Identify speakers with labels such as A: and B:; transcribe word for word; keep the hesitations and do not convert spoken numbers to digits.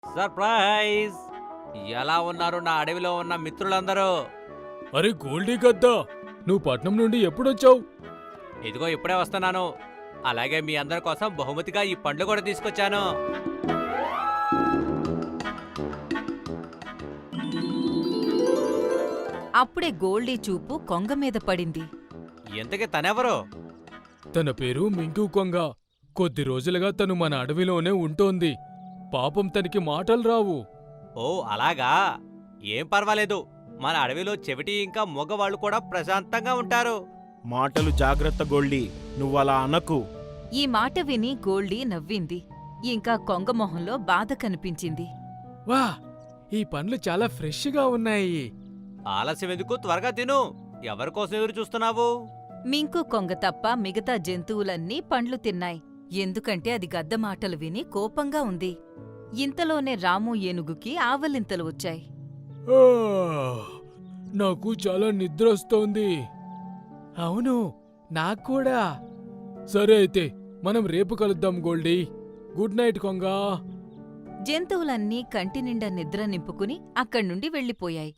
A: Surprise! ఎలా ఉన్నారు నా అడవిలో ఉన్న మిత్రులందరూ?
B: అరే గోల్డీ గద్దా, నువ్వు పట్నం నుండి ఎప్పుడొచ్చావు?
A: ఇదిగో ఇప్పుడే వస్తున్నాను. అలాగే మీ అందరి కోసం బహుమతిగా ఈ పండ్లు కూడా తీసుకొచ్చాను.
C: అప్పుడే గోల్డీ చూపు కొంగ మీద పడింది.
A: ఇంతకీ తనెవరు?
B: తన పేరు మింకు కొంగ. కొద్ది రోజులుగా తను మన అడవిలోనే ఉంటోంది. పాపం తనకి మాటలు రావు.
A: ఓ అలాగా, ఏం పర్వాలేదు. మన అడవిలో చెవిటి ఇంకా మగవాళ్ళు కూడా ప్రశాంతంగా ఉంటారు.
D: మాటలు జాగ్రత్త గోల్డీ, నువ్వలా అనకు.
C: ఈ మాట విని గోల్డీ నవ్వింది. ఇంకా కొంగ మొహంలో బాధ కనిపించింది.
B: వా, ఈ పండ్లు చాలా ఫ్రెష్గా ఉన్నాయి.
A: ఆలస్యం ఎందుకు, త్వరగా తిను. ఎవరికోసం ఎదురు చూస్తున్నావు?
C: మింకు కొంగ తప్ప మిగతా జంతువులన్నీ పండ్లు తిన్నాయి. ఎందుకంటే అది గద్ద మాటలు విని కోపంగా ఉంది. ఇంతలోనే రాము ఏనుగుకి ఆవలింతలు వచ్చాయి.
B: ఆ, నాకు చాలా నిద్రొస్తోంది. అవును, నాక్కూడా. సరే అయితే మనం రేపు కలుద్దాం గోల్డీ. Good night కొంగా.
C: జంతువులన్నీ కంటినిండా నిద్ర నింపుకుని అక్కడ్నుండి వెళ్ళిపోయాయి.